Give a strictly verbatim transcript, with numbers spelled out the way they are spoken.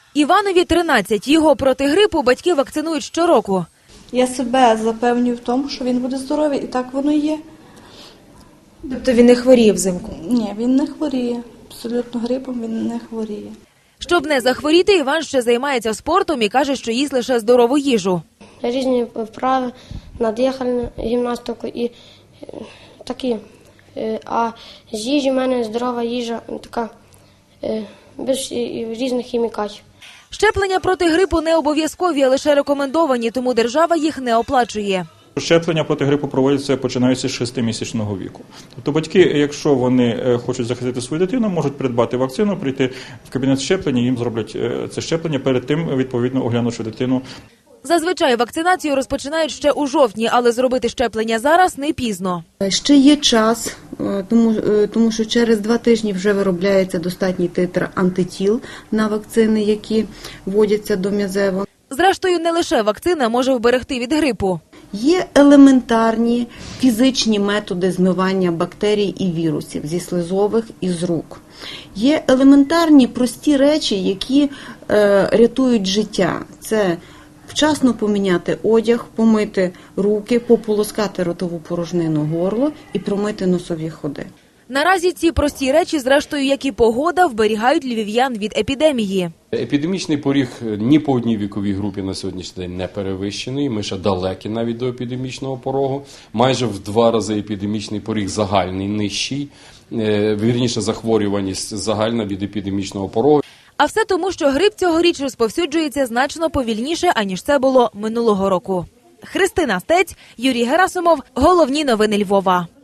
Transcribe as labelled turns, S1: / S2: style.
S1: Іванові тринадцять. Його проти грипу батьки вакцинують щороку.
S2: Я себе запевнюю в тому, що він буде здоровий, і так воно є.
S1: Тобто він не хворіє взимку?
S2: Ні, він не хворіє. Абсолютно грипом він не хворіє.
S1: Щоб не захворіти, Іван ще займається спортом і каже, що їсть лише здорову їжу.
S3: Різні вправи, надихальну гімнастику і такі. А з їжі в мене здорова їжа, така, без різних хімікатів.
S1: Щеплення проти грипу не обов'язкові, а лише рекомендовані, тому держава їх не оплачує.
S4: Щеплення проти грипу проводяться, починаючи з шестимісячного віку. Тобто батьки, якщо вони хочуть захистити свою дитину, можуть придбати вакцину, прийти в кабінет щеплення, їм зроблять це щеплення, перед тим, відповідно, оглянувши дитину.
S1: Зазвичай вакцинацію розпочинають ще у жовтні, але зробити щеплення зараз не пізно.
S5: Ще є час, тому, тому що через два тижні вже виробляється достатній титр антитіл на вакцини, які вводяться до м'язево.
S1: Зрештою, не лише вакцина може вберегти від грипу.
S5: Є елементарні фізичні методи змивання бактерій і вірусів зі слизових і з рук. Є елементарні прості речі, які е, рятують життя. Це вчасно поміняти одяг, помити руки, пополоскати ротову порожнину, горло і промити носові ходи.
S1: Наразі ці прості речі, зрештою, як і погода, вберігають львів'ян від епідемії.
S6: Епідемічний поріг ні по одній віковій групі на сьогоднішній день не перевищений. Ми ще далекі навіть до епідемічного порогу. Майже в два рази епідемічний поріг загальний нижчий. Вірніше, захворюваність загальна від епідемічного порогу.
S1: А все тому, що грип цьогоріч розповсюджується значно повільніше, аніж це було минулого року. Христина Стець, Юрій Герасимов. Головні новини Львова.